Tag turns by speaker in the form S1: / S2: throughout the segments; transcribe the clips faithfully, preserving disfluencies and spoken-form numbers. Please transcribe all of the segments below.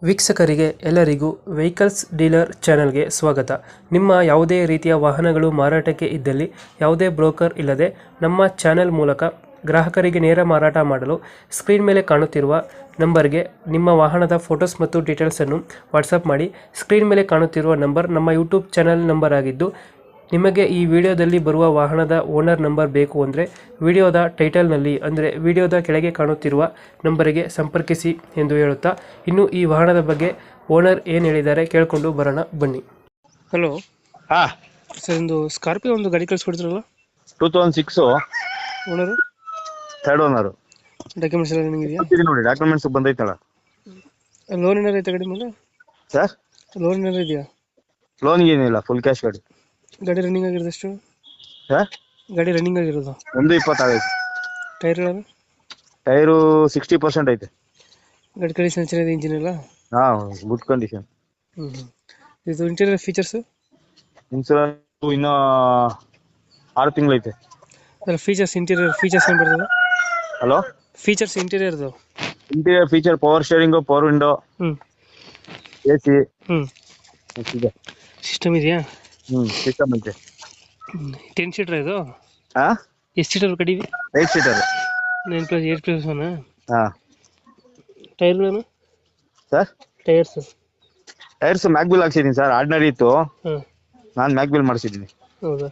S1: ವೀಕ್ಷಕರಿಗೆ ಎಲ್ಲರಿಗೂ vehicles dealer ಚಾನೆಲ್ಗೆ ಸ್ವಾಗತ. ನಿಮ್ಮ ಯಾವುದೇ ರೀತಿಯ ವಾಹನಗಳು ಮಾರಾಟಕ್ಕೆ ಇದ್ದಲ್ಲಿ ಯಾವುದೇ ಬ್ರೋಕರ್ ಇಲ್ಲದೆ ನಮ್ಮ ಚಾನೆಲ್ ಮೂಲಕ ಗ್ರಾಹಕರಿಗೆ ನೇರ ಮಾರಾಟ ಮಾಡಲು ಸ್ಕ್ರೀನ್ ಮೇಲೆ ಕಾಣುತ್ತಿರುವ ನಂಬರ್ಗೆ ನಿಮ್ಮ ವಾಹನದ ಫೋಟೋಸ್ ಮತ್ತು ಡೀಟೇಲ್ಸನ್ನು ವಾಟ್ಸಪ್ ಮಾಡಿ. ಸ್ಕ್ರೀನ್ ಮೇಲೆ ಕಾಣುತ್ತಿರುವ ನಂಬರ್ ನಮ್ಮ ಯೂಟ್ಯೂಬ್ ಚಾನೆಲ್ ನಂಬರ್ ಆಗಿದ್ದು, ನಿಮಗೆ ಈ ವಿಡಿಯೋದಲ್ಲಿ ಬರುವ ವಾಹನದ ಓನರ್ ನಂಬರ್ ಬೇಕು ಅಂದರೆ ವಿಡಿಯೋದ ಟೈಟಲ್ನಲ್ಲಿ ಅಂದರೆ ವಿಡಿಯೋದ ಕೆಳಗೆ ಕಾಣುತ್ತಿರುವ ನಂಬರಿಗೆ ಸಂಪರ್ಕಿಸಿ ಎಂದು ಹೇಳುತ್ತಾ, ಇನ್ನು ಈ ವಾಹನದ ಬಗ್ಗೆ ಓನರ್ ಏನು ಹೇಳಿದ್ದಾರೆ ಕೇಳಿಕೊಂಡು ಬರೋಣ ಬನ್ನಿ. ಹಲೋ
S2: ಹಾ
S1: ಸರ್, ಒಂದು ಸ್ಕಾರ್ಪಿಯೋ ಒಂದು ಗಾಡಿ ಕಳಿಸ್ಕೊಡ್ತಿರಲ್ಲ,
S2: two thousand six
S1: owner
S2: third owner.
S1: Documents ಎಲ್ಲ ನಿಮಗಿದೆಯಾ?
S2: ನೋಡಿ ಡಾಕ್ಯುಮೆಂಟ್ಸ್ ಬಂದೈತಲ್ಲ
S1: ಲೋನ್ ಏನಾರು ಐತೆ ಗಾಡಿ ಮೇಲೆ?
S2: ಸರ್
S1: ಲೋನ್ ಏನಾರು ಇದೆಯಾ?
S2: ಲೋನ್ ಏನಿಲ್ಲ, ಫುಲ್ ಕ್ಯಾಶ್ ಗಾಡಿ.
S1: ಗಾಡಿ ರನ್ನಿಂಗ್ ಆಗಿರೋದು ಎಷ್ಟು?
S2: ಸರ್
S1: ಗಾಡಿ ರನ್ನಿಂಗ್ ಆಗಿರೋದು
S2: ಒಂದು ಇಪ್ಪತ್ತಾಗೈತೆ.
S1: ಟೈರ್ಗಳನ್ನು
S2: ಟೈರು ಸಿಕ್ಸ್ಟಿ ಪರ್ಸೆಂಟ್ ಐತೆ.
S1: ಗಾಡಿ ಕಂಡೀಷನ್ ಚೆನ್ನಾಗಿದೆ, ಇಂಜಿನ್ ಎಲ್ಲ?
S2: ಹಾ, ಗುಡ್ ಕಂಡೀಷನ್.
S1: ಹ್ಞೂ ಹ್ಞೂ ಇದು ಇಂಟೀರಿಯರ್ ಫೀಚರ್ಸು?
S2: ಇನ್ಸೂರೆನ್ಸ್ ಇನ್ನೂ ಆರು ತಿಂಗಳೈತೆ.
S1: ಅದರ ಫೀಚರ್ಸ್, ಇಂಟೀರಿಯರ್ ಫೀಚರ್ಸ್ ಏನು ಬರ್ತದೆ?
S2: ಹಲೋ,
S1: ಫೀಚರ್ಸ್ ಇಂಟೀರಿಯರ್ದು?
S2: Interior feature power steering, power window,
S1: ಹ್ಞೂ
S2: ಎ ಸಿ,
S1: ಹ್ಞೂ
S2: ಇದೆ.
S1: ಸಿಸ್ಟಮ್ ಇದೆಯಾ?
S2: ಹ್ಞೂ ಸಿಸ್ಟಮ್ ಐತೆ.
S1: ಟೆನ್ ಸೀಟರ್ ಇದು?
S2: ಹಾ,
S1: ಎಷ್ಟು ಸೀಟರ್ ಗಾಡಿ?
S2: Eight seater.
S1: Nine plus eight plus one.
S2: ಹಾ.
S1: ಟೈರ್ಗಳನ್ನು?
S2: ಸರ್
S1: ಟೈರ್ಸ್
S2: ಟೈರ್ಸ್ ಮ್ಯಾಕ್ಬಿಲ್ ಹಾಕ್ಸಿದ್ದೀನಿ ಸರ್. ಆರ್ಡಿನರಿ ಇತ್ತು,
S1: ಹಾಂ.
S2: ನಾನು ಮ್ಯಾಕ್ಬಿಲ್ ಮಾಡಿಸಿದ್ದೀನಿ.
S1: ಹೌದಾ?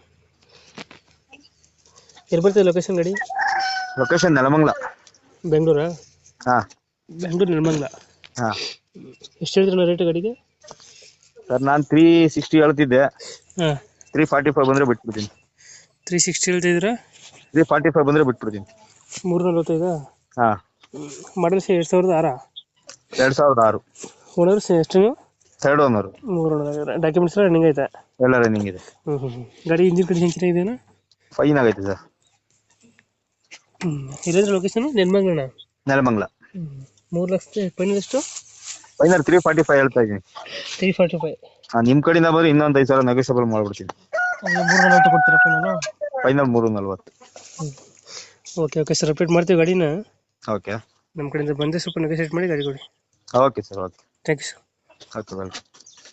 S1: ಎಲ್ಲಿ ಬರ್ತದೆ ಲೊಕೇಶನ್ ಗಾಡಿ?
S2: ಲೊಕೇಶನ್ ನೆಲಮಂಗಲ.
S1: ಬೆಂಗಳೂರಾ?
S2: ಹಾ,
S1: ಬೆಂಗಳೂರು ನೆಲಮಂಗಲ.
S2: ಹಾ.
S1: ಎಷ್ಟು ಹೇಳ್ತೀರ ರೇಟ್ ಗಾಡಿಗೆ?
S2: ಸರ್ ನಾನು ತ್ರೀ ಸಿಕ್ಸ್ಟಿ ಹೇಳ್ತಿದ್ದೆ,
S1: ಹಾಂ.
S2: ತ್ರೀ ಫಾರ್ಟಿ ಫೈವ್ ಬಂದರೆ ಬಿಟ್ಬಿಡ್ತೀನಿ.
S1: ತ್ರೀ ಸಿಕ್ಸ್ಟಿ ಹೇಳ್ತಿದ್ದೀರಾ?
S2: ತ್ರೀ ಫಾರ್ಟಿ ಫೈವ್ ಬಂದರೆ ಬಿಟ್ಬಿಡ್ತೀನಿ.
S1: ಮೂರು ನಲ್ವತ್ತೈದಾ?
S2: ಹಾಂ.
S1: ಮಾಡಲ್ಸ್ ಎರಡು ಸಾವಿರದ ಆರಾ?
S2: ಎರಡು ಸಾವಿರದ ಆರು.
S1: ಓನರ್ಸ್ ಎಷ್ಟು?
S2: Third owner.
S1: ಮೂರು. ಡಾಕ್ಯುಮೆಂಟ್ಸ್ ಎಲ್ಲ ರನ್ನಿಂಗ್ ಐತೆ?
S2: ಎಲ್ಲ ರನ್ನಿಂಗ್ ಇದೆ.
S1: ಹ್ಞೂ ಹ್ಞೂ ಹ್ಞೂ ಗಾಡಿ ಇಂಜಿನ್ ಕಂಡೀಷನ್ ಚೆನ್ನಾಗಿದೆಯಾ?
S2: ಫೈನ್ ಆಗೈತೆ ಸರ್.
S1: ಹ್ಞೂ ಇಲ್ಲಂದ್ರೆ ಲೊಕೇಶನ್ ನೆಲಮಂಗಲ.
S2: ನೆಲಮಂಗಲ.
S1: ಹ್ಞೂ ಮೂರು ಲಕ್ಷ ಫೈನಲ್ ಎಷ್ಟು?
S2: ಫೈನಲ್ ತ್ರೀ ಫಾರ್ಟಿ ಫೈವ್ ಹೇಳ್ತಾ ಇದ್ದೀನಿ.
S1: Three forty five?
S2: ಹಾಂ, ನಿಮ್ಮ ಕಡೆಯಿಂದ ಬಂದರೆ ಇನ್ನೊಂದು ಐದು ಸಾವಿರ ನೆಗೋಷಿಯಬಲ್ ಮಾಡಿಬಿಡ್ತೀನಿ.
S1: ಮೂರು ನಲ್ವತ್ತು ಕೊಡ್ತೀರಾ ಫೈನಲು?
S2: ಫೈನಲ್ ಮೂರು ನಲ್ವತ್ತು.
S1: ಹ್ಞೂ ಓಕೆ ಓಕೆ ಸರ್, ಅಪ್ಡೇಟ್ ಮಾಡ್ತೀವಿ ಗಾಡಿನ.
S2: ಓಕೆ,
S1: ನಮ್ಮ ಕಡೆಯಿಂದ ಬಂದರೆ ಸ್ವಲ್ಪ ನೆಗೋಷಿಯೇಟ್ ಮಾಡಿ ಗಾಡಿ ಕೊಡಿ.
S2: Okay sir. Okay,
S1: thank you sir.
S2: Okay, welcome.